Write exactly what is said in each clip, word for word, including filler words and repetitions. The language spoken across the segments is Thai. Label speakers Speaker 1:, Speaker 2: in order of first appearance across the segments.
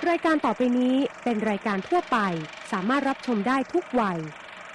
Speaker 1: รายการต่อไปนี้เป็นรายการทั่วไปสามารถรับชมได้ทุกวัย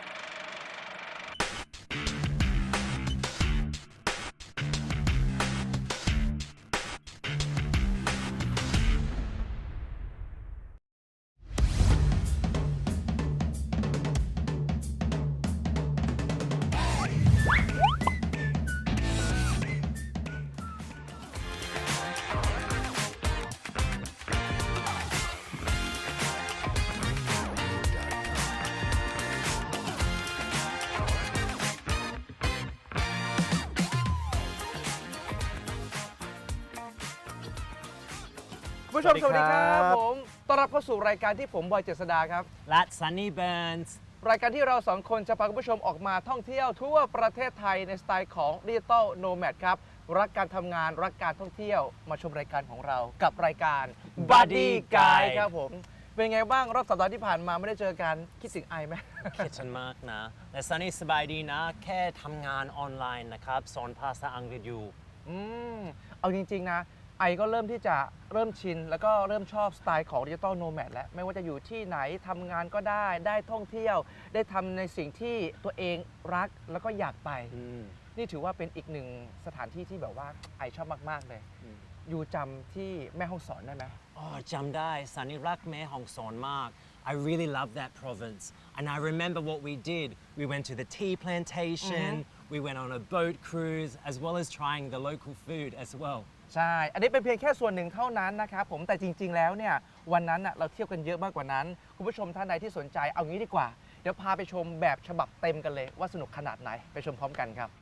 Speaker 2: ผู้ชมสวัสดีครับผมต้อนรับเข้าสู่รายการที่ผมบอยเจษดาครับ
Speaker 3: และ Sunny Burns
Speaker 2: รายการที่เราสองคนจะพาคุณผู้ชมออกมาท่องเที่ยวทั่วประเทศไทยในสไตล์ของดิจิตอลโนแมดครับรักการทำงานรักการท่องเที่ยวมาชมรายการของเรากับรายการ Buddy Guide ครับผมเป็นไงบ้างรอบสัปดาห์ที่ผ่านมาไม่ได้เจอกันคิดถึงไอไหม
Speaker 3: คิดฉันมากนะแต่ Sunny สบายดีนะแค่ทำงานออนไลน์นะครับสอนภาษาอังกฤษอยู่
Speaker 2: อืมเอาจริงๆนะไอก็เริ่มที่จะเริ่มชินแล้วก็เริ่มชอบสไตล์ของดิจิตอลโนแมดแล้วไม่ว่าจะอยู่ที่ไหนทำงานก็ได้ได้ท่องเที่ยวได้ทำในสิ่งที่ตัวเองรักแล้วก็อยากไปนี่ถือว่าเป็นอีกหนึ่งสถานที่ที่แบบว่าไอชอบมากๆเลยอยู่จำที่แม่ฮ่องสอนได้ไหม
Speaker 3: อ๋อจำได้สันนิรักแม่ฮ่องสอนมาก I really love that province and I remember what we did we went to the tea plantation mm-hmm. we went on a boat cruise as well as trying the local food as well
Speaker 2: ใช่อันนี้เป็นเพียงแค่ส่วนหนึ่งเท่านั้นนะครับผมแต่จริงๆแล้วเนี่ยวันนั้นเราเที่ยวกันเยอะมากกว่านั้นคุณผู้ชมท่านใดที่สนใจเอางี้ดีกว่าเดี๋ยวพาไปชมแบบฉบับเต็มกันเลยว่าสนุกขนาดไหนไปชมพร้อมกันครับ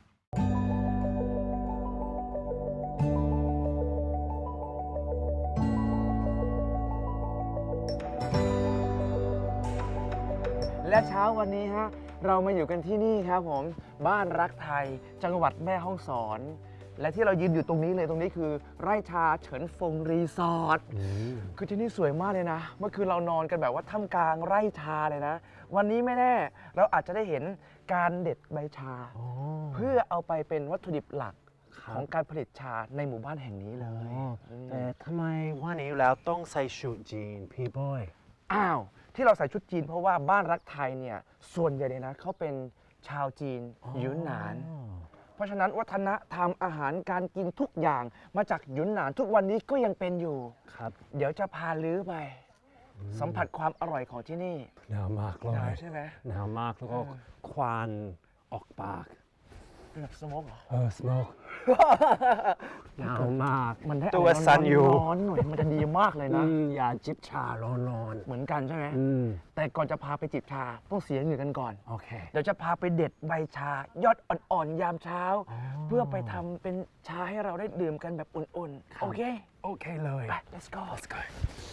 Speaker 2: และเช้าวันนี้ฮะเรามาอยู่กันที่นี่ครับผมบ้านรักไทยจังหวัดแม่ฮ่องสอนและที่เรายืนอยู่ตรงนี้เลยตรงนี้คือไร่ชาเฉินฟงรีสอร์ทคือที่นี่สวยมากเลยนะเมื่อคืนเรานอนกันแบบว่าท่ามกลางไร่ชาเลยนะวันนี้ไม่แน่เราอาจจะได้เห็นการเด็ดใบชาเพื่อเอาไปเป็นวัตถุดิบหลักของการผลิตชาในหมู่บ้านแห่งนี้เลย
Speaker 3: แต่ทำไมวันนี้แล้วต้องใส่ชุดจีนพี่บอย
Speaker 2: อ้าวที่เราใส่ชุดจีนเพราะว่าบ้านรักไทยเนี่ยส่วนใหญ่เลยนะเขาเป็นชาวจีนหยุนหนานเพราะฉะนั้นวัฒนธรรมอาหารการกินทุกอย่างมาจากหยุนหนานทุกวันนี้ก็ยังเป็นอยู่
Speaker 3: ครับ
Speaker 2: เดี๋ยวจะพาลื้อไปสัมผัสความอร่อยของที่นี่
Speaker 3: หนาวมากเลย
Speaker 2: หนาวใช่ไหม
Speaker 3: หนาวมากแล้วก็ควันออกปาก
Speaker 2: เป็นแบบสโมกเหรอ
Speaker 3: เออสโมกหนาวมาก
Speaker 2: มันได้ตัวสั่นอยู่ร้อนหน่อยมันจะดีมากเลยนะ
Speaker 3: อย่าจิบชาร้อน
Speaker 2: ๆเหมือนกันใช่ไหมแต่ก่อนจะพาไปจิบชาต้องเสียเหงื่อกันก่อน
Speaker 3: โอเค
Speaker 2: เดี๋ยวจะพาไปเด็ดใบชายอดอ่อนๆยามเช้าเพื่อไปทำเป็นชาให้เราได้ดื่มกันแบบอุ่นๆโอเค
Speaker 3: โอเคเลย
Speaker 2: let's go
Speaker 3: let's go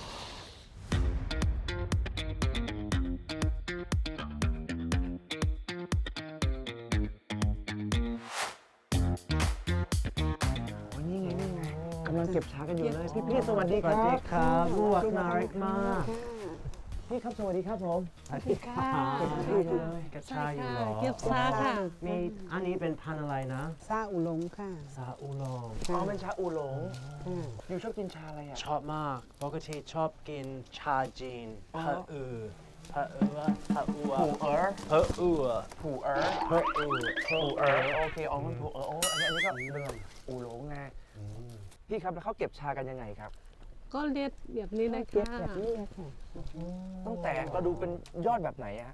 Speaker 2: กำลังเก็บชากันอยู่เลยพี่พี่สวัสดีครับ
Speaker 3: สวัสดีครับลูกน่ารักมาก
Speaker 2: พี่ครับสวัสดีครับผม
Speaker 4: สวัสดีค่ะ
Speaker 3: เก็บชาอยู่เลยเก็บชาอยู่หรอ
Speaker 4: เก็บชาค่ะ
Speaker 3: มีอันนี้เป็นพันธุ์อะไรนะ
Speaker 4: ซาอูหลงค่ะ
Speaker 3: ซาอูหลง
Speaker 2: อ๋อเป็นชาอูหลงอยู่ชอบกินชาอะไรอ่ะ
Speaker 3: ชอบมากปกติชอบกินชาจีนผะอือผะอือผะอือ
Speaker 2: ผูเอ๋อ
Speaker 3: ผะอือ
Speaker 2: ผูเอ๋อ
Speaker 3: ผะอือ
Speaker 2: ผูเอ๋อโอเคอ๋อมันผูเอ๋อโอ้อันนี้อันนี้ก็เรื่องอูหลงไงพี่ครับแล้วเขาเก็บชากันยังไงครับ
Speaker 4: ก็เล็ดแบบนี้เลยค่ะ
Speaker 2: แบบนี้ค่ะตั้งแต่เราดูเป็นยอดแบบไหนอะ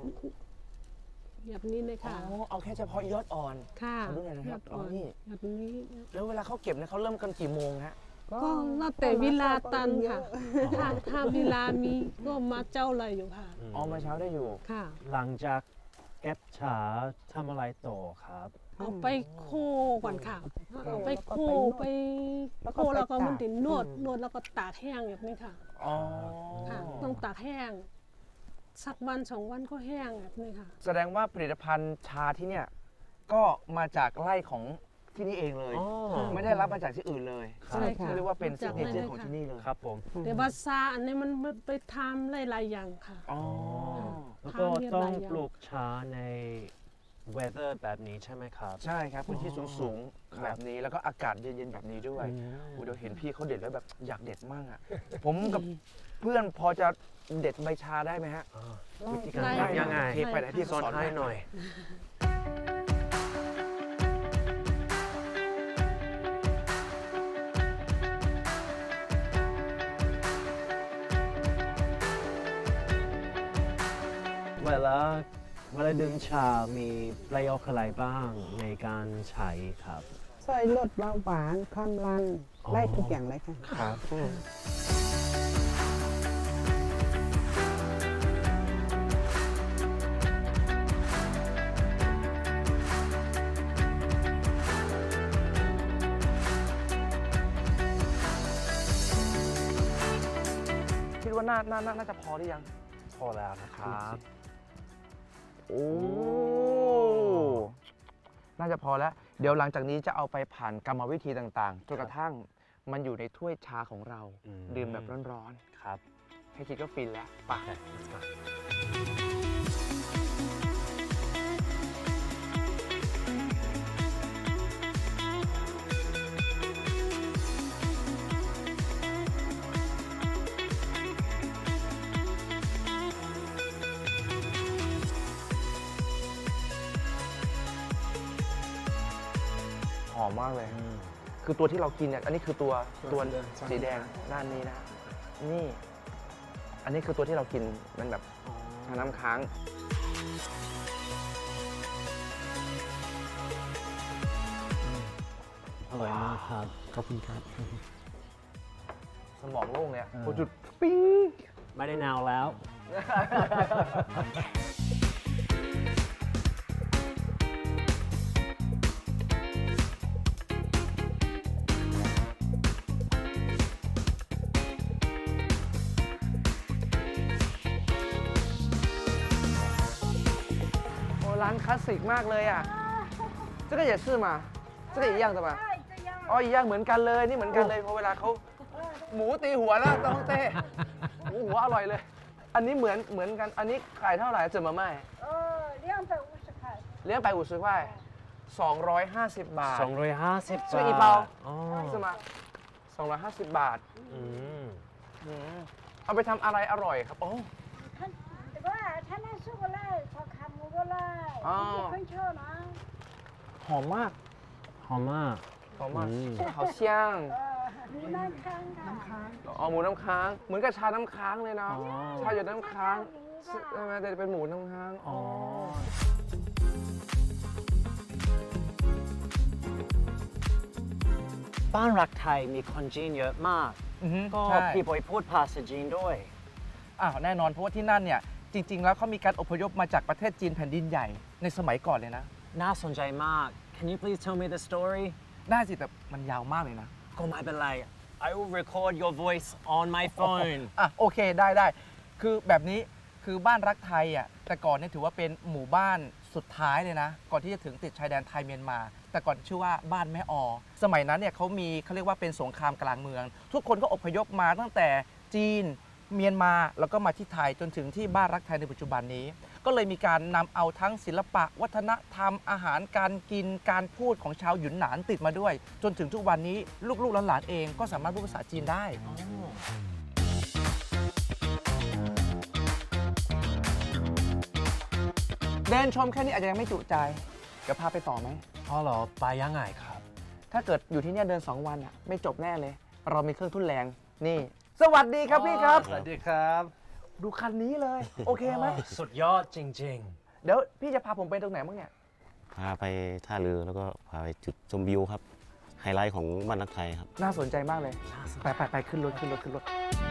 Speaker 4: แบบนี้เลยค่ะ
Speaker 2: อ๋อเอาแค่เฉพาะยอดอ่อน
Speaker 4: ค่ะ
Speaker 2: ดูหน่อยนะครับอ๋อนี่
Speaker 4: แบบนี้
Speaker 2: แล้วเวลาเขาเก็บเนี่ยเขาเริ่มกันกี่โมงฮะ
Speaker 4: ก็แล้วแต่เวลาตันค่ะถ้าถ้าเวลามีก็มาเจ้าอะไรอยู่ค่ะ
Speaker 2: อ๋อมาเช้าได้อยู่
Speaker 4: ค่ะ
Speaker 3: หลังจากเก็บชาทำอะไรต่อครับ
Speaker 4: เอาไปโคก่อนค่ะเอาไปโคไปโคแล้วก็มันติดนวดนวดแล้วก็ตากแห้งแบบนี้ค่ะ
Speaker 2: อ๋อ
Speaker 4: ค่ะต้องตากแห้งสักวันสองวันก็แห้งแบบนี้ค่ะ
Speaker 2: แสดงว่าผลิตภัณฑ์ชาที่เนี่ยก็มาจากไร่ของที่นี่เองเลยไม่ได้รับมาจากที่อื่นเลย
Speaker 4: ใช่ค่ะ
Speaker 2: เรียกว่าเป็นซิกเนเจอร์ของที่นี่เลย
Speaker 3: ครับผม
Speaker 4: แต่ว่าซาอันนี้มันไปทำหลายๆอย่างค่ะ
Speaker 2: อ๋อ
Speaker 3: แล้วก็ต้องปลูกชาใน weather แบบนี้ใช่ไหมครับ
Speaker 2: ใช่ครับพื้นที่สูงๆแบบนี้แล้วก็อากาศเย็นๆแบบนี้ด้วย
Speaker 3: อืม
Speaker 2: โอ้เดี๋ยวเห็นพี่เขาเด็ดแล้วแบบอยากเด็ดมากอ่ะ ผมกับเพื่อนพอจะเด็ดใบชาได้ไหมฮะ
Speaker 3: วิธีการ
Speaker 4: ได้
Speaker 3: ทำยังไง
Speaker 2: โอเคไปไหนพี่
Speaker 3: สอน
Speaker 2: สอน
Speaker 3: ให้หน่อย เวลาเวลาดื่มชา มีประโยชน์อะไรบ้างในการใช้ครับ
Speaker 5: ช่วยลดเบาหวานความดัน
Speaker 3: อ๋อ
Speaker 5: ได้ทุกอย่างเลยค่ะ
Speaker 3: ครับ
Speaker 2: คิดว่าน่าน่าน่าน่าจะพอหรือยัง
Speaker 3: พอแล้วนะครับ
Speaker 2: โอ้ น่าจะพอแล้ว เดี๋ยวหลังจากนี้จะเอาไปผ่านกรรมวิธีต่างๆ จนกระทั่งมันอยู่ในถ้วยชาของเรา
Speaker 3: อืม
Speaker 2: ดื่มแบบร้อน
Speaker 3: ครับ
Speaker 2: ๆ ให้คิดก็ฟินแล้วไป
Speaker 3: Okay, let's go.
Speaker 2: หอมมากเลย คือตัวที่เรากินเนี่ย อันนี้คือตัวตัวสีแดงด้านนี้นะ นี่ อันนี้คือตัวที่เรากินมันแบบน้ำค้าง
Speaker 3: อร่อยมากครับ ขอบคุณครับ
Speaker 2: สมองโล่งเลยอะพอจุดปิ้ง
Speaker 3: ไม่ได้นาวแล้ว
Speaker 2: โอ้ร้านคลาสสิกมากเลยอ่ะ这个也是吗这个一样的吗อ๋อ一样เหมือนกันเลยนี่เหมือนกันเลยเพราะเวลาเขาหมูตีหัวแล้วต้องเต้หมูหัวอร่อยเลย อันนี้เหมือนเหมือนกันอันนี้ขายเท่าไหร่จะมาไม่
Speaker 6: 呃，两百五十块。
Speaker 2: เลี้ยงไป五十块สองร้อยห้าสิบบาท
Speaker 3: สองร้อยห้าสิบ
Speaker 2: ช่วยอี
Speaker 3: บา
Speaker 2: เปา
Speaker 3: ทอ๋อ
Speaker 2: ใช่ไหมสองร้อยห้าสิบบาท
Speaker 3: อืม
Speaker 2: อืมเอาไปทำอะไรอร่อยครับโอ้
Speaker 6: 他这个他那是过来，他看不过来，
Speaker 2: 哦
Speaker 6: 你很巧呢。
Speaker 2: หอมมาก
Speaker 3: หอมมาก
Speaker 2: หอมมาก
Speaker 3: อืม
Speaker 2: 好香
Speaker 6: 呃，你那看看。
Speaker 2: อ๋อหมูน้ำค้าง เหมือนกับชาน้ำค้างเลยเนาะ
Speaker 3: อ๋อ
Speaker 2: ชาหยดน้ำค้างใช่ไหมแต่เป็นหมูน้ำค้าง
Speaker 3: อ๋อ บ้านรักไทยมีคนจีนเยอะมาก
Speaker 2: อือฮึ
Speaker 3: ก็
Speaker 2: ใช่
Speaker 3: พี่บอยพูดภาษาจีนด้วย
Speaker 2: อ้าวแน่นอนเพราะว่าที่นั่นเนี่ยจริง ๆ แล้วเขามีการอพยพมาจากประเทศจีนแผ่นดินใหญ่ในสมัยก่อนเลยนะ
Speaker 3: น่าสนใจมาก Can you please tell me the story
Speaker 2: ได้สิแต่มันยาวมากเลยนะ
Speaker 3: ก็ไม่เป็นไร I will record your voice on my phone
Speaker 2: อ่ะโอเคได้ได้คือแบบนี้คือบ้านรักไทยอ่ะแต่ก่อนเนี่ยถือว่าเป็นหมู่บ้านสุดท้ายเลยนะ ก่อนที่จะถึงติดชายแดนไทยเมียนมา แต่ก่อนชื่อว่าบ้านแม่ออ สมัยนั้นเนี่ยเขามีเขาเรียกว่าเป็นสงครามกลางเมือง ทุกคนก็อพยพมาตั้งแต่จีนเมียนมาแล้วก็มาที่ไทยจนถึงที่บ้านรักไทยในปัจจุบันนี้ ก็เลยมีการนำเอาทั้งศิลปะ วัฒนธรรมอาหารการกินการพูดของชาวหยุนหนานติดมาด้วย จนถึงทุกวันนี้ลูกๆหลานๆเองก็สามารถพูดภาษาจีนได้ เดินชมแค่นี้อาจจะยังไม่จุใจ เดี๋ยวพาไปต่อไหม
Speaker 3: อ๋อเหรอ ไปยังไงครับ
Speaker 2: ถ้าเกิดอยู่ที่เนี่ยเดิน สอง วันอ่ะไม่จบแน่เลย เรามีเครื่องทุ่นแรง นี่ สวัสดีครับพี่ครับ
Speaker 3: สวัสดีครับ
Speaker 2: ดูคันนี้เลย โอเคไหม
Speaker 3: สุดยอดจริง
Speaker 2: เดี๋ยวพี่จะพาผมไปตรงไหนบ้างเนี่ย
Speaker 7: พาไปท่าเรือแล้วก็พาไปจุดชมวิวครับ ไฮไลท์ของบ้านรักไทยครับ
Speaker 2: น่าสนใจมากเลย ไปไปไปขึ้นรถขึ้นรถขึ้นรถ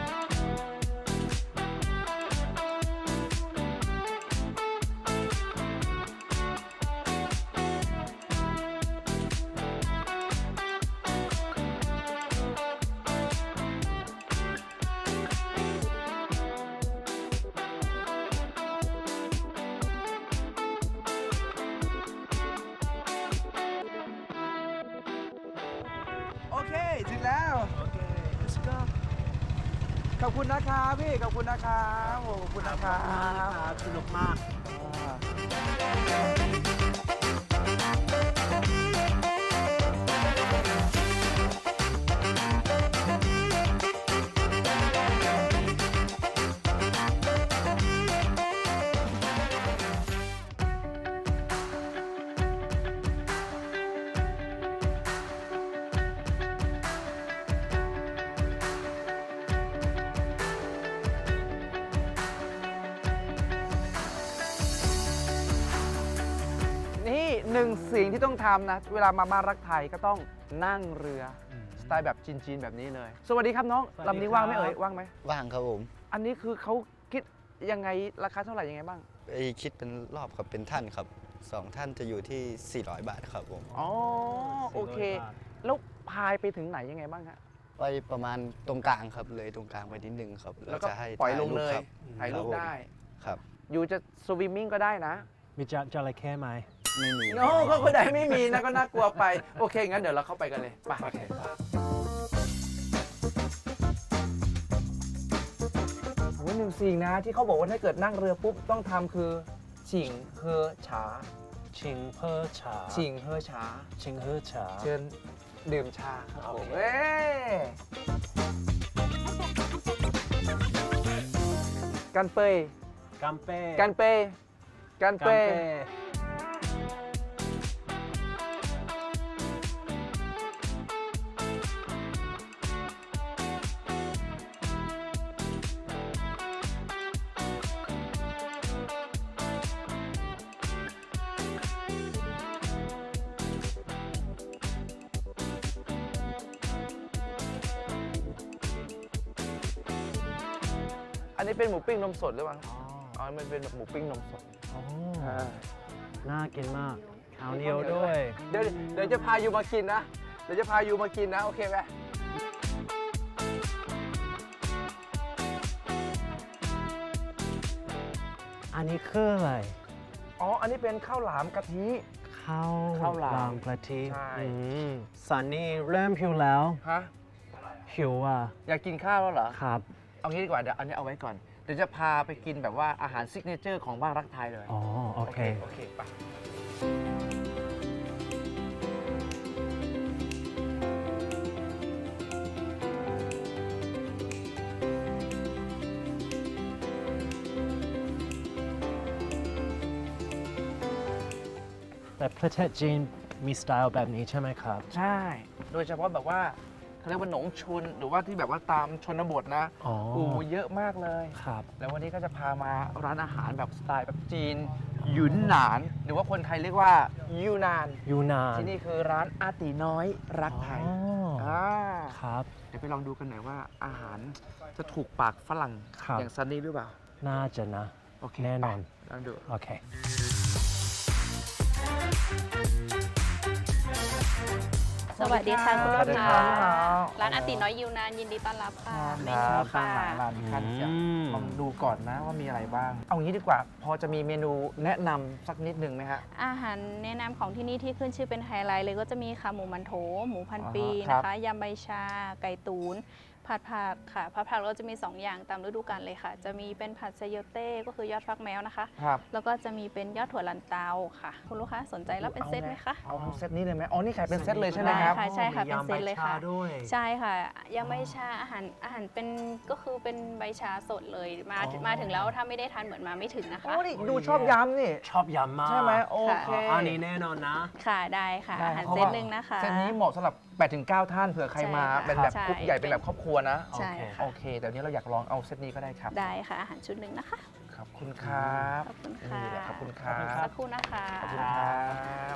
Speaker 2: โอเค ถึงแล้ว โอเค let's go ขอบคุณนะครับพี่ ขอบคุณนะครับโอ้ขอบคุณนะครับ
Speaker 3: ๆ สนุกมาก
Speaker 2: อ่านี่หนึ่งสิ่งที่ต้องทำนะ เวลามาบ้านรักไทยก็ต้องนั่งเรืออสไตล์แบบจีนๆแบบนี้เลย สวัสดีครับน้อง
Speaker 3: สวัสดี
Speaker 2: ลำนี้ว่างไหม
Speaker 3: ครับ
Speaker 2: เอ่ยว่างไหม
Speaker 8: ว่างครับผม
Speaker 2: อันนี้คือเขาคิดยังไงราคาเท่าไหร่ยังไงบ้าง
Speaker 8: ไปคิดเป็นรอบครับเป็นท่านครับสองท่านจะอยู่ที่ สี่ร้อย บาทครับผม
Speaker 2: อ๋อโอเค แล้วพายไปถึงไหนยังไงบ้างฮะ
Speaker 8: ไปประมาณตรงกลางครับเลยตรงกลางไปนิดนึงครับ
Speaker 2: แล้วก็
Speaker 8: จะให้
Speaker 2: ปล่อยลง
Speaker 8: ถ่า
Speaker 2: เลย
Speaker 8: ครับ
Speaker 2: ถ่ายรูป
Speaker 8: ครับผม
Speaker 2: ได้
Speaker 8: ครับ
Speaker 2: อยู่จะสวิมมิ่งก็ได้นะ
Speaker 3: มีจจระเข้ไหม
Speaker 8: ไม่มี
Speaker 2: โน้ก็คนใดไม่มีนะก็น่ากลัวไป โอเค งั้นเดี๋ยวเราเข้าไปกันเลยไปโอ้ยหนึ่งสิ่งนะที่เขาบอกว่าถ้าเกิดนั่งเรือปุ๊บต้องทำคือฉิงเฮอฉา
Speaker 3: ชิงเพอฉา
Speaker 2: ฉิงเฮอฉา
Speaker 3: ชิงเฮอฉา
Speaker 2: เชิญดื่มชาครับผม
Speaker 3: โอเค
Speaker 2: เอ้ยกันเปย
Speaker 3: กัมเป้
Speaker 2: กันเปยกันเป
Speaker 3: กัม
Speaker 2: ย
Speaker 3: เป้
Speaker 2: อันนี้เป็นหมูปิ้งนมสดหรือเปล่าอ๋อมันเป็นแบบหมูปิ้งนมสด
Speaker 3: อ๋อ
Speaker 2: อ่า
Speaker 3: น่ากินมากข้าวเหนียวด้วย
Speaker 2: เดี๋ยวเดี๋ยวจะพายูมากินนะ เดี๋ยวจะพายูมากินนะ โอเคไหม
Speaker 3: อันนี้คืออะไร
Speaker 2: อ๋อ อันนี้เป็นข้าวหลามกะทิ
Speaker 3: ข้าว
Speaker 2: ข้าวหลาม
Speaker 3: กะทิ
Speaker 2: ใช่
Speaker 3: อืมสันนี่เริ่มหิวแล้ว
Speaker 2: ฮะ
Speaker 3: หิวอ่ะ
Speaker 2: อยากกินข้าวแล้วเหรอ
Speaker 3: ครับ
Speaker 2: เอางี้ดีกว่า เดี๋ยวอันนี้เอาไว้ก่อน เดี๋ยวจะพาไปกินแบบว่าอาหารซิกเนเจอร์ของบ้านรักไทยเลย
Speaker 3: อ๋อ โอเค
Speaker 2: โอเคไป
Speaker 3: แต่ประเทศจีนมีสไตล์แบบนี้ใช่ไหมครับ
Speaker 2: ใช่ โดยเฉพาะแบบว่าเขาเรียกว่าหนงชุน หรือว่าที่แบบว่าตามชนบทนะ
Speaker 3: อ๋อ
Speaker 2: โอ้เยอะมากเลย
Speaker 3: ครับ
Speaker 2: แล้ววันนี้ก็จะพามาร้านอาหารแบบสไตล์แบบจีนหยุนหนาน หรือว่าคนไทยเรียกว่ายูนาน
Speaker 3: ยูนาน
Speaker 2: ที่นี่คือร้านอาตีน้อยรักไทย
Speaker 3: อ๋ออ่
Speaker 2: า
Speaker 3: ครับ
Speaker 2: เดี๋ยวไปลองดูกันหน่อยว่าอาหารจะถูกปากฝรั่ง
Speaker 3: ครับ
Speaker 2: อย่างซันนี่หรือเปล่า
Speaker 3: น่าจะนะ
Speaker 2: โอเค
Speaker 3: แน่นอน
Speaker 2: ไปลองดู
Speaker 3: โอเค
Speaker 9: สวัสดีค่ะคุณ
Speaker 2: สวั
Speaker 9: ลู
Speaker 2: ส
Speaker 9: ก
Speaker 2: ดี
Speaker 9: ค้า
Speaker 2: ครับ
Speaker 9: ร้านอาติน้อยยูนานยินดีต้อนรับค่ะเม
Speaker 2: ค
Speaker 9: นู
Speaker 2: รับ
Speaker 9: ค่ะ
Speaker 2: ร้านคันจะ
Speaker 3: อืม
Speaker 2: ลองดูก่อนนะว่ามีอะไรบ้าง เอางี้ดีกว่า พอจะมีเมนูแนะนำสักนิดหนึ่งไหมฮะ
Speaker 9: อาหารแนะนำของที่นี่ที่ขึ้นชื่อเป็นไฮไลท์เลยก็จะมีขาหมูมันโถ หมูพันปี
Speaker 2: อ๋อครับ
Speaker 9: นะคะยำใบชา ไก่ตูน ผัดผักค่ะ ผัดผักเราจะมี สอง อย่างตามฤดูกาลเลยค่ะ จะมีเป็นผัดไซโยเต้ก็คือยอดฟักแมวนะคะ
Speaker 2: ครับ
Speaker 9: แล้วก็จะมีเป็นยอดถั่วลันเตาค่ะ คุณลูกค้าสนใจรับเป็นเซตไหมคะ
Speaker 2: เอาเอาเซตนี้เลยไหมอ๋อ นี่ขายเป็นเซตเลยใช่ไหมครับ
Speaker 9: ได้ค่ะ ใช่ค่ะเป็นเซตเลยค่ะ
Speaker 3: มียำใบชาด้วย
Speaker 9: ใช่ค่ะยำใบชาอาหารอาหารเป็นก็คือเป็นใบชาสดเลยมา
Speaker 3: อ๋อ
Speaker 9: มาถึงแล้วถ้าไม่ได้ทานเหมือนมาไม่ถึงนะคะ
Speaker 2: โอ้นี่ดูชอบยำนี่
Speaker 3: ชอบยำมาก
Speaker 2: ใช่ไหมโอเค
Speaker 3: อ๋ออันนี้แน่นอนนะ
Speaker 9: ค่ะได้ค่ะ
Speaker 2: ได้
Speaker 9: อาหาร
Speaker 2: พะ
Speaker 9: เซ
Speaker 2: ว่
Speaker 9: ตหนึ่งนะคะ
Speaker 2: เซตนี้เหมาะสำหรับแปดถึงเก้าท่านเผื่อใครมา
Speaker 9: ใช่ค่ะ
Speaker 2: เป็นแบบ
Speaker 9: ใช่
Speaker 2: กรุ๊ปใหญ่เป็นแบบครอบครัวนะ
Speaker 9: ใช่
Speaker 3: โอเค
Speaker 9: ค่ะ
Speaker 2: โอเคเดี๋ยวนี้เราอยากลองเอาเซตนี้ก็ได้ครับ
Speaker 9: ได้ค่ะอาหารชุดหนึ่งนะคะ
Speaker 2: ขอบคุณครับ
Speaker 9: ขอบคุณค่ะ
Speaker 2: นี่แหละขอบคุณครับ
Speaker 9: สักครู่นะคะ
Speaker 2: ขอบคุณครับ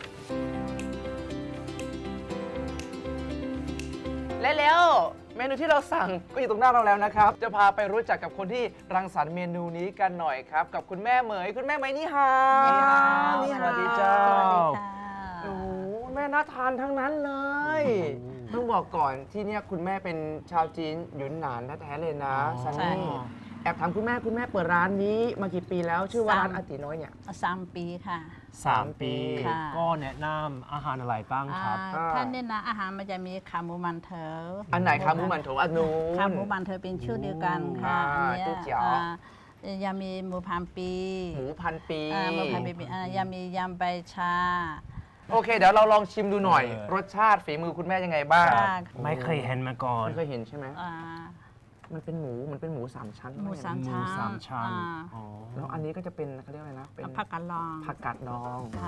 Speaker 2: และแล้วเมนูที่เราสั่งก็อยู่ตรงหน้าเราแล้วนะครับ จะพาไปรู้จักกับคนที่รังสรรค์เมนูนี้กันหน่อยครับ กับคุณแม่เหมยคุณแม่เหมยนี่ฮาว
Speaker 3: นี่ฮาว
Speaker 2: สวัสดีเจ้า
Speaker 9: สวัสดีค่ะ
Speaker 2: โอ้โหแม่น่าทานทั้งนั้นเลย ต้องบอกก่อนที่เนี่ยคุณแม่เป็นชาวจีนหยุนหนานแท้ๆเลยนะ
Speaker 3: อ๋อ
Speaker 2: ซัน
Speaker 9: ใช่
Speaker 2: นี่แอบถามคุณแม่คุณแม่เปิดร้านนี้มากี่ปีแล้วชื่อว่าร้านอาติน้อยเนี่ย
Speaker 5: สามปีค่ะ
Speaker 3: สามปี
Speaker 5: ค่ะ
Speaker 3: ก็แนะนำอาหารอะไรบ้างครับ
Speaker 5: อ่าท่านเนี่ยนะอาหารมันจะมีขาหมูมันเถอ
Speaker 2: อันไหนขาหมูมันโถอันนู้น
Speaker 5: ขาหมูมันเถอเป็นชื่อเดียวกันค่ะ
Speaker 2: อ่า
Speaker 5: อันเนี้ย
Speaker 2: ตู้เจี๋ยว
Speaker 5: อ่ายำมีหมูพันปี
Speaker 2: หมูพันปี
Speaker 5: อ่าหมูพันปีอ่ายำมียำใบชา
Speaker 2: โอเค เดี๋ยวเราลองชิมดูหน่อย
Speaker 3: เออ
Speaker 2: รสชาติฝีมือคุณแม่ยังไงบ้าง
Speaker 5: ค่ะ
Speaker 3: ไม่เคยเห็นมาก่อน
Speaker 2: ไม่เคยเห็นใช่ไหม
Speaker 5: อ่า
Speaker 2: มันเป็นหมูมันเป็นหมูสามชั้น
Speaker 5: หมูสาม
Speaker 3: หมู
Speaker 5: ชั้น
Speaker 3: สามชั้น
Speaker 5: อ่า
Speaker 3: อ๋อ
Speaker 2: แล้วอันนี้ก็จะเป็นเขาเรียกอะไรนะเป็น
Speaker 5: ผักกาดลอง
Speaker 2: ผักกาดดอง
Speaker 5: ค่ะ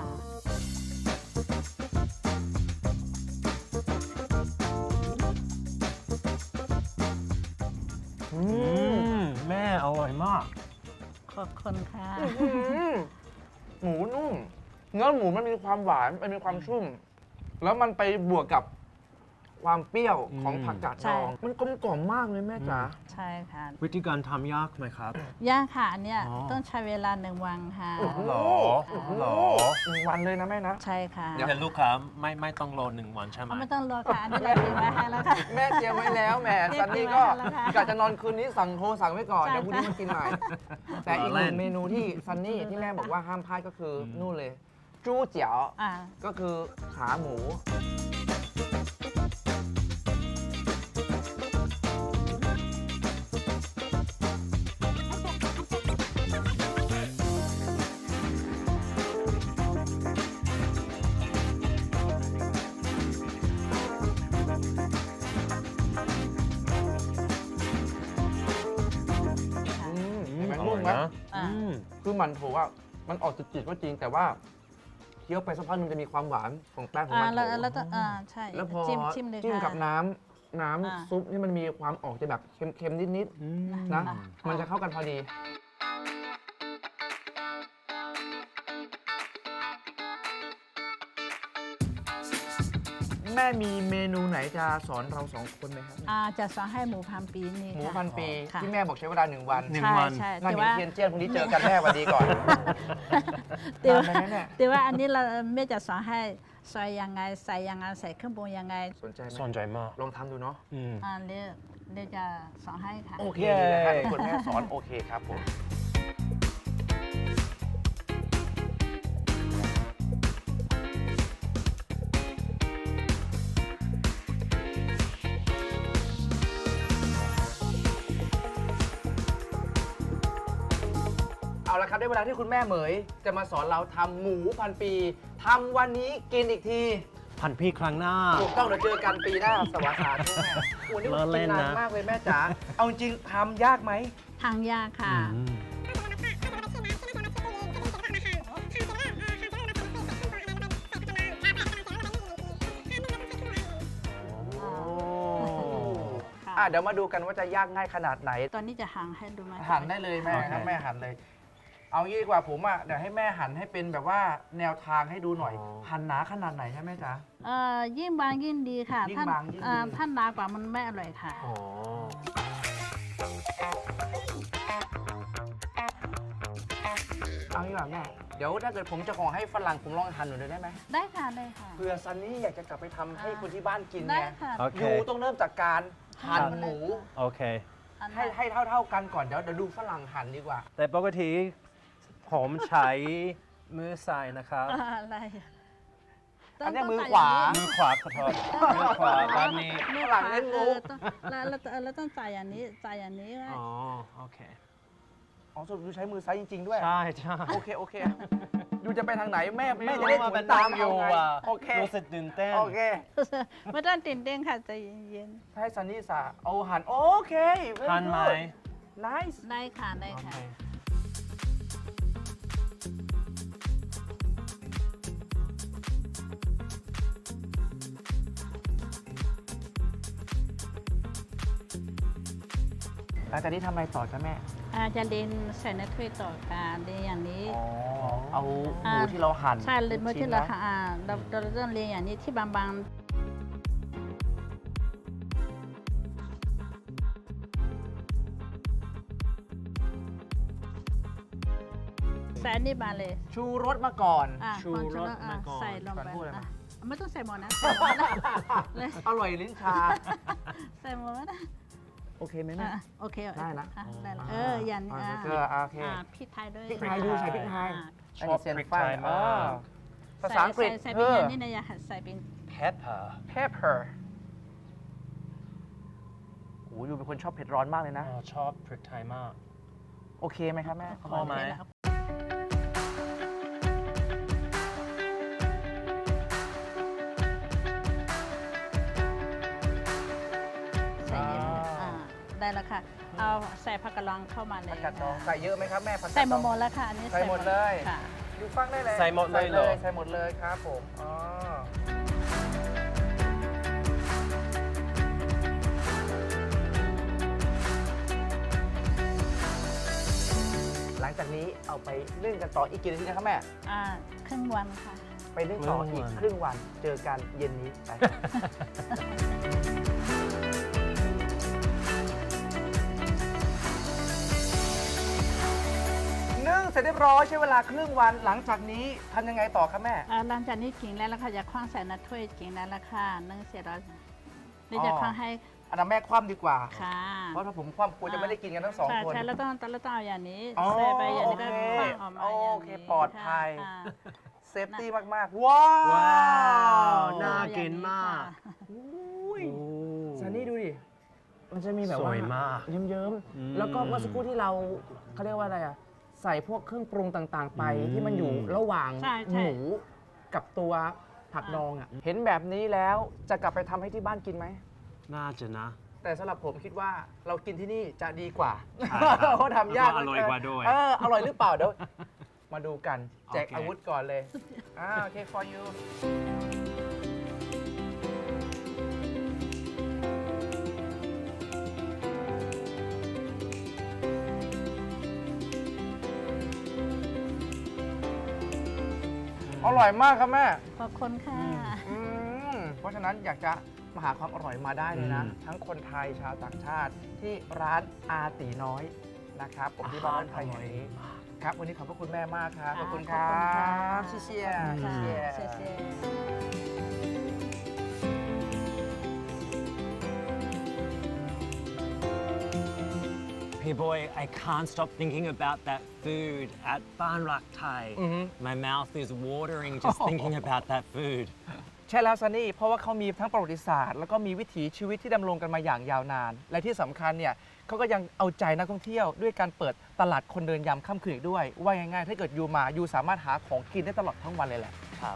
Speaker 2: อื
Speaker 3: อื
Speaker 2: ม
Speaker 3: มแม่อร่อยมาก
Speaker 5: ขอบคุณค่ะ
Speaker 2: อื้อหือหมูนุ่ม เนื้อหมูมันมีความหวานมันมีความชุ่ม แล้วมันไปบวกกับความเปรี้ยวของ
Speaker 3: อืม
Speaker 2: ผักกาด
Speaker 5: ใช่
Speaker 2: ดอง มันกลมกล่อมมากเลยแม่จ๋า
Speaker 5: ใช่ค่ะ
Speaker 3: วิธีการทำยากไหมครับ
Speaker 5: ย่างค่ะอันเนี้ย
Speaker 3: อ๋อ
Speaker 5: ต้องใช้เวลาหนึ่งวันค่ะ
Speaker 2: โอ้โห
Speaker 3: หรอ
Speaker 2: โอ้โห
Speaker 3: หรอ
Speaker 2: หนึ่งวันเลยนะแม่นะ
Speaker 5: ใช่ค่ะ
Speaker 3: แต่ลูกค้าไม่ไม่ต้องรอหนึ่งวันใช่ไหม
Speaker 5: เอาไม่ต้องรอค่ะอันนี้เราเตรียมไว้ให้แล้วค่ะ
Speaker 2: แม่เตรียมไว้แล้วแหม
Speaker 5: เตรียม
Speaker 2: ซันนี่ก็
Speaker 5: ไว้แล้วค่ะ
Speaker 2: กะจะนอนคืนนี้สั่งโทรสั่งไว้ก่อน
Speaker 5: ใช่
Speaker 2: เดี๋ยวพรุ่งนี้มากินใหม่ แต่อีกหนึ่ง
Speaker 3: เล่น
Speaker 2: เมนูที่ซันนี่ที่แม่บอกว่าห้ามพลาดก็คืออนู่นเลย จู้เจี๋ยว
Speaker 5: อ่า
Speaker 2: ก็คือขาหมู อืมเห็นไหม
Speaker 3: อร่
Speaker 2: นุ่
Speaker 3: อ
Speaker 2: ม
Speaker 3: ย
Speaker 2: ไหม
Speaker 3: นะ
Speaker 5: อ่า
Speaker 3: อืม
Speaker 2: คือมันโถว่ามันออกจืดๆก็จริง แต่ว่าเคี้ยวไปสักพักหนึงจะมีความหวานของแป้งของ
Speaker 5: อ่า
Speaker 2: มันโถ
Speaker 5: แล้วแล้วต้องอ่าใช่
Speaker 2: แล้วพอ
Speaker 5: จิ้มจิ้มเลย
Speaker 2: จิ้ม
Speaker 5: ค่ะ
Speaker 2: กับน้ำน้
Speaker 5: อ่า
Speaker 2: ำซุปนี่มันมีความออกจะแบบเค็มๆนิด
Speaker 3: อืม
Speaker 2: ๆนะ
Speaker 5: อ่า
Speaker 2: มันจะเข้ากันพอดี แม่มีเมนูไหนจะสอนเราสองคนไหมครับ
Speaker 5: อ่าจะสอนให้หมูพันปีนี่
Speaker 2: หมู
Speaker 5: ค่ะ
Speaker 2: พันปี
Speaker 5: ค่ะ
Speaker 2: ที่แม่บอกใช้เวลาหนึ่งวัน
Speaker 3: หนึ่ง
Speaker 5: ใช่
Speaker 3: วัน
Speaker 5: ใช่
Speaker 2: นั่น
Speaker 5: แต่
Speaker 2: เห็น
Speaker 5: ว่า
Speaker 2: เทียนเจี้ยนพรุ่งนี้เจอกันแม่สวันดีก่อน
Speaker 5: แต่ว่า
Speaker 2: นานไหมเนี่ย
Speaker 5: แต่ว่าอันนี้เราไม่จะสอนให้ซอยยังไงใส่ยังไงใส่เครื่องปรุงยังไง
Speaker 2: สนใจไหม
Speaker 3: สนใจมาก
Speaker 2: ลองทำดูเนาะ
Speaker 3: อืม
Speaker 5: อ่าเรียกเรียกจะสอนให้ค่ะ
Speaker 2: โอเค
Speaker 3: เย้
Speaker 2: นะครับคุณแม่สอนโอเคครับผม เอาละครับได้เวลาที่คุณแม่เหมย จะมาสอนเราทำหมูพันปีทำวันนี้กินอีกที
Speaker 3: พันพี่ครั้งหน้า
Speaker 2: ถูกต้องเดี๋ยวเจอกันปีหน้าสวัสดีแม่โอ้นี่
Speaker 3: ล้อเล่
Speaker 2: กิน
Speaker 3: น
Speaker 2: นา
Speaker 3: นะ
Speaker 2: นมากเลยแม่จ๋า เอาจริงทำยากไหม
Speaker 5: ทางยากค่ะ
Speaker 3: อืม
Speaker 2: โอ้
Speaker 5: ค่ะ
Speaker 2: อ่ะเดี๋ยวมาดูกันว่าจะยากง่ายขนาดไหน
Speaker 5: ตอนนี้จะหั่นให้ดูไหม
Speaker 2: หั่นได้เลยแม่
Speaker 3: โอเค
Speaker 2: ครับแม่หั่นเลย เอางี้ดีกว่าผมอ่ะเดี๋ยวให้แม่หั่นให้เป็นแบบว่าแนวทางให้ดูหน่อย หั่นหนาขนาดไหนใช่ไหมจ๊ะ
Speaker 5: เอ่อยิ่งบางยิ่งดีค่ะ
Speaker 2: ยิ่ง
Speaker 5: ถ้า
Speaker 2: บางยิ่งดี
Speaker 5: เอ่อถ้าหนากว่ามันไม่อร่อยค่ะ
Speaker 3: อ๋อ
Speaker 2: เอางี้ดีกว่าแม่ เดี๋ยวถ้าเกิดผมจะขอให้ฝรั่งผมลองหั่นหน่อยได้ไหม
Speaker 5: ได้ค่ะได้ค่ะ
Speaker 2: เผื่อซันนี่อยากจะกลับไปทำให้คนที่บ้านกิน
Speaker 5: ได้
Speaker 2: ไง
Speaker 5: ค่ะ
Speaker 3: โอเค
Speaker 2: อยู่ต้องเริ่มจากการหั่นหมู
Speaker 3: โอเค
Speaker 5: อัน
Speaker 2: ให้ให้เท่า ๆกันก่อนเดี๋ยวเดี๋ยวดูฝรั่งหั่นดีกว่า
Speaker 3: แต่ปกติผมใช้มือซ้ายนะครับ
Speaker 5: อ่าอะไร
Speaker 2: อันเนี้ย
Speaker 5: ต้ง
Speaker 2: มือ
Speaker 5: ต้ง
Speaker 2: ขวา
Speaker 5: ใส่
Speaker 3: มือขวาขอโทษมือขวาแบบนี้
Speaker 5: มือ
Speaker 2: ฝรั่งเล่นมุก
Speaker 5: ออต้องแล้วแล้วแล้วแล้วต้องใส่อย่างนี้ใส่อย่างนี้ไว้
Speaker 3: อ๋อ โอเค
Speaker 2: อ๋อสรุปดูใช้มือซ้ายจริง ๆ ด้วย
Speaker 3: ใช่ใช่
Speaker 2: โอเค โอเค ดูจะไปทางไหนแม่
Speaker 3: ไม่
Speaker 2: แม่
Speaker 3: รู้
Speaker 2: จะได้
Speaker 3: ว่า
Speaker 2: ถู
Speaker 3: เป็น
Speaker 2: ตาม
Speaker 3: อยู่
Speaker 2: เอาไง
Speaker 3: อ่ะ
Speaker 2: โอเค
Speaker 3: รู้สึกตื่นเต้น
Speaker 2: โอเค
Speaker 5: ไม่ต้องตื่นเต้นค่ะใจเย็น
Speaker 2: ให้ซันนี่สาเอาหั่นโอเค very
Speaker 3: ทันไหม
Speaker 2: good nice
Speaker 5: ๆได้ค่ะได้
Speaker 3: โอ
Speaker 5: ค่ะ
Speaker 3: เค
Speaker 2: หลังจากนี้ทำอะไรต่อจ้ะแม่
Speaker 5: อาจะเรียนใส่ในถ้วยต่อค่ะเรียนอย่างนี้
Speaker 2: อ๋อ เอาห
Speaker 5: อ่า
Speaker 2: มูที่เราหั่น
Speaker 5: ใช่เลยเมื่อ
Speaker 2: ชิ้
Speaker 5: ที่
Speaker 2: น
Speaker 5: เรา
Speaker 2: นะ
Speaker 5: ค่ะอ่าเราเราต้องเรียนอย่างนี้ที่บางๆใส่อันนี่มาเลย
Speaker 2: ชูรสมาก่อน
Speaker 5: อ่ะ
Speaker 3: ชู
Speaker 5: ก่อน
Speaker 3: รส
Speaker 5: อ่ะ
Speaker 3: มาก่อน
Speaker 5: ใส่ลงไป
Speaker 2: ก่อนพูดอะไร
Speaker 5: อ่ะ
Speaker 2: มา
Speaker 5: ไม่ต้องใส่หมดนะใส่หมดนะเลย
Speaker 2: อร่อยลิ้นชา
Speaker 5: ใส่หมดนะ
Speaker 2: โอเคไหมแม่
Speaker 5: อ่ะโอเค
Speaker 2: ได้นะ
Speaker 5: อ่ได้ละเอออย่างนี้
Speaker 2: อ่า
Speaker 5: อ่ะ
Speaker 2: เกลืออ่ะโอเค
Speaker 5: อ่ะพริกไทยด้วย
Speaker 2: พริกไทยดูใส่พริกไทย
Speaker 5: อ่ะ
Speaker 3: ชอบพริกไทยมาก
Speaker 2: ภาษาอังกฤษ
Speaker 5: ใส่ใส่
Speaker 2: เธ
Speaker 5: เป็น
Speaker 2: อ
Speaker 5: อย่างนี้นะอย่าใส่เป็น
Speaker 3: pepper
Speaker 2: pepper โอ้ยดูเป็นคนชอบเผ็ดร้อนมากเลยนะ
Speaker 3: อ๋อชอบพริกไทยมาก
Speaker 2: โอเคไหมครับแม่
Speaker 3: พอไหม
Speaker 5: ใส่เยอะอ่าได้แล้วค่ะ เอาใส่ผักกะลองเข้ามาเลย
Speaker 2: ผักกาดดองใส่เยอะไหมครับแม่ผักกาดดอง
Speaker 5: ใส่หมดแล้วค่ะ อันนี้
Speaker 2: ใส่หมดเลย
Speaker 5: ค่ะ
Speaker 2: ดูฟังได้เลย
Speaker 3: ใส่หมดเลยเหรอ
Speaker 2: ใส่หมดเลยครับผมอ๋อหลังจากนี้เอาไปนึ่งกันต่ออีกกี่นาทีนะครับแม่
Speaker 5: อ่าครึ่งวันค่ะ
Speaker 2: ไปนึ่งต่ออีกครึ่งวันเจอกันเย็นนี้ไป นึ่งเสร็จเรียบร้อยใช้เวลาครึ่งวันหลังจากนี้ทำยังไงต่อครับแม่
Speaker 5: อ่าหลังจากนี้กินแล้วล่ะค่ะอย่าคว้างใส่ในถ้วยกินแล้วล่ะค่ะนึ่งเสร็จแล้วเดี๋ยวจะคว้างให้
Speaker 2: อันนั้นแม่คว่ำดีกว่า
Speaker 5: ค่ะ
Speaker 2: เพราะถ้าผมคว่ำกลัวจะไม่ได้กินกันทั้งสอง
Speaker 5: ใช่
Speaker 2: คน
Speaker 5: ใช่แล้วต้องแล้วต้องเอาอย่างนี้
Speaker 2: อ๋อ
Speaker 5: ใส่ไปอย่างนี้ก็
Speaker 2: โอเค
Speaker 5: คว้างออกมาอย่างนี้
Speaker 2: โอเคปลอดภัย
Speaker 5: ค่ะ
Speaker 2: เซฟตี้มาก ๆ ว้าว
Speaker 3: ว้าว
Speaker 5: ค่ะ
Speaker 3: น่ากินมาก
Speaker 2: อุ้ย
Speaker 3: โอ้
Speaker 2: ซันนี่ดูดิ มันจะมีแบบ
Speaker 3: ส
Speaker 2: ว่า
Speaker 3: วยมาก
Speaker 2: เยิ้ม
Speaker 3: อืม
Speaker 2: ๆ แล้วก็เมื่อสักครู่ที่เราเขาเรียกว่าอะไรอ่ะ ใส่พวกเครื่องปรุงต่าง ๆ ไป
Speaker 3: อืม
Speaker 2: ที่มันอยู่ระหว่าง
Speaker 5: ใช่
Speaker 2: ห
Speaker 5: ใช่
Speaker 2: มูกับตัวผักดองอ่ะ เห็นแบบนี้แล้วจะกลับไปทำให้ที่บ้านกินไหม
Speaker 3: น่าจะนะ
Speaker 2: แต่สำหรับผมคิดว่าเรากินที่นี่จะดีกว่า
Speaker 3: ใช่ครับ
Speaker 2: เพราะทำยาก
Speaker 3: แล้วก็อร่อยกว่าด้วย
Speaker 2: เอออร่อยหรือเปล่าเดี๋ยว มาดูกัน แจก
Speaker 3: โอเค
Speaker 2: อาวุธก่อนเลยอ่าโอเค for you อร่อยมากครับแม่
Speaker 5: ขอบคุณค่ะ
Speaker 2: อืมเพราะฉะนั้นอยากจะมาหาความอร่อยมาได้เลยนะ
Speaker 3: อืม
Speaker 2: ทั้งคนไทยชาวต่างชาติที่ร้านอาตีน้อยนะครับผมที่บ้านไทยแห่งนี้ครับ วันนี้ขอบพระคุณแม่มากครับ ขอบคุณครั
Speaker 5: ขอบคุณค่ะ
Speaker 2: บเชีย
Speaker 5: ขอบคุณ
Speaker 2: เชีย
Speaker 5: ค่ะ
Speaker 2: เชีย
Speaker 5: เชี่ย
Speaker 3: Hey boy, I can't stop thinking about that food at Ban Rak Thai. My mouth is watering just thinking about that food.
Speaker 2: ใช่แล้วซันนี่ เพราะว่าเขามีทั้งประวัติศาสตร์ แล้วก็มีวิถีชีวิตที่ดำรงกันมาอย่างยาวนาน และที่สำคัญเนี่ยเขาก็ยังเอาใจนักท่องเที่ยวด้วยการเปิดตลาดคนเดินยามค่ำคืนอีกด้วย ว่าง่ายๆ ถ้าเกิดยูมายูสามารถหาของกินได้ตลอดทั้งวันเลยแหละ
Speaker 3: ครับ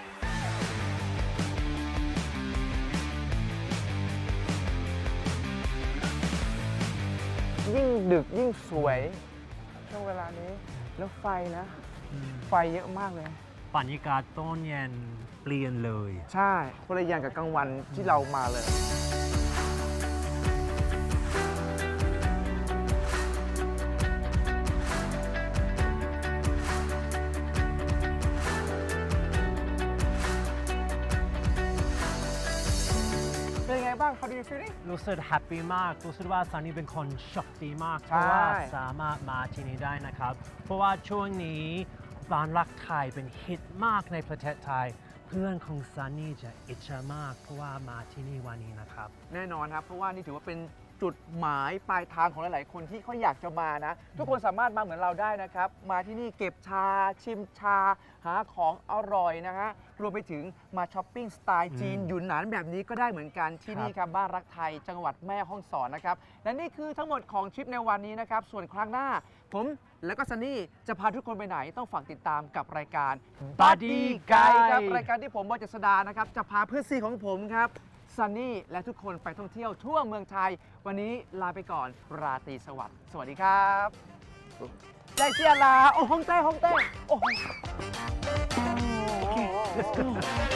Speaker 2: ยิ่งดึกยิ่งสวยช่วงเวลานี้ แล้วไฟนะ ไฟเยอะมากเลย
Speaker 3: บรรยากาศตอนเย็นเปลี่ยนเลย
Speaker 2: ใช่คนละอย่างกับกลางวันที่เรามาเลย เป็นยังไงบ้าง How do you feeling
Speaker 3: รู้สึกแฮปปี้มาก รู้สึกว่าซันนี่เป็นคนโชคดีมาก
Speaker 2: ใช่
Speaker 3: เพราะว่าสามารถมาที่นี่ได้นะครับ เพราะว่าช่วงนี้ร้านรักไทยเป็นฮิตมากในประเทศไทย เพื่อนของซันนี่จะอิจฉามาก เพราะว่ามาที่นี่วันนี้นะครับ
Speaker 2: แน่นอนครับ เพราะว่านี่ถือว่าเป็นจุดหมายปลายทางของหลาย ๆ คนที่เขาอยากจะมานะ ทุกคนสามารถมาเหมือนเราได้นะครับ มาที่นี่เก็บชา ชิมชา หาของอร่อยนะฮะ รวมไปถึงมาช้อปปิ้งสไตล์จีน
Speaker 3: อืม
Speaker 2: หยุนหนานแบบนี้ก็ได้เหมือนกันที่นี่ครับ บ้านรักไทย จังหวัดแม่ฮ่องสอนนะครับ และนี่คือทั้งหมดของทริปในวันนี้นะครับ ส่วนครั้งหน้า ผมและก็ซันนี่จะพาทุกคนไปไหนต้องฝากติดตามกับรายการ
Speaker 3: Buddy Guide
Speaker 2: ครับรายการที่ผมบอยเจษดานะครับจะพาเพื่อนซีของผมครับซันนี่และทุกคนไปท่องเที่ยวทั่วเมืองไทย วันนี้ลาไปก่อนราตรีสวัสดิ์สวัสดีครับได้เจียลาโอ้ฮ่องเต้ฮ่องเต้โอ้โห let's go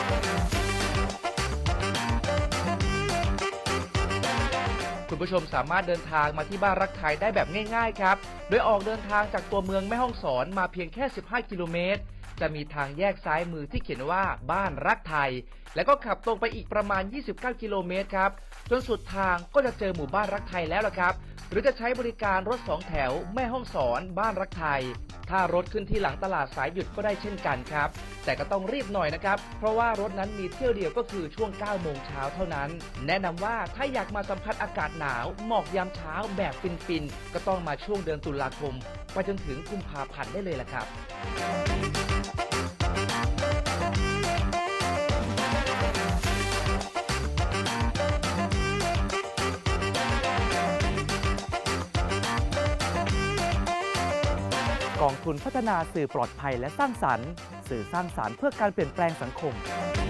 Speaker 2: คุณผู้ชมสามารถเดินทางมาที่บ้านรักไทยได้แบบง่ายๆครับ โดยออกเดินทางจากตัวเมืองแม่ฮ่องสอนมาเพียงแค่ สิบห้า กิโลเมตร จะมีทางแยกซ้ายมือที่เขียนว่าบ้านรักไทย แล้วก็ขับตรงไปอีกประมาณ ยี่สิบเก้า กิโลเมตรครับ จนสุดทางก็จะเจอหมู่บ้านรักไทยแล้วล่ะครับ หรือจะใช้บริการรถสองแถวแม่ฮ่องสอนบ้านรักไทย ถ้ารถขึ้นที่หลังตลาดสายหยุดก็ได้เช่นกันครับ แต่ก็ต้องรีบหน่อยนะครับ เพราะว่ารถนั้นมีเที่ยวเดียวก็คือช่วง เก้า โมงเช้าเท่านั้น แนะนำว่าถ้าอยากมาสัมผัสอากาศหนาวหมอกยามเช้าแบบฟินๆ ก็ต้องมาช่วงเดือนตุลาคม ไปจนถึงกุมภาพันธ์ได้เลยล่ะครับ
Speaker 10: กองทุนพัฒนาสื่อปลอดภัยและสร้างสรรค์ สื่อสร้างสรรค์เพื่อการเปลี่ยนแปลงสังคม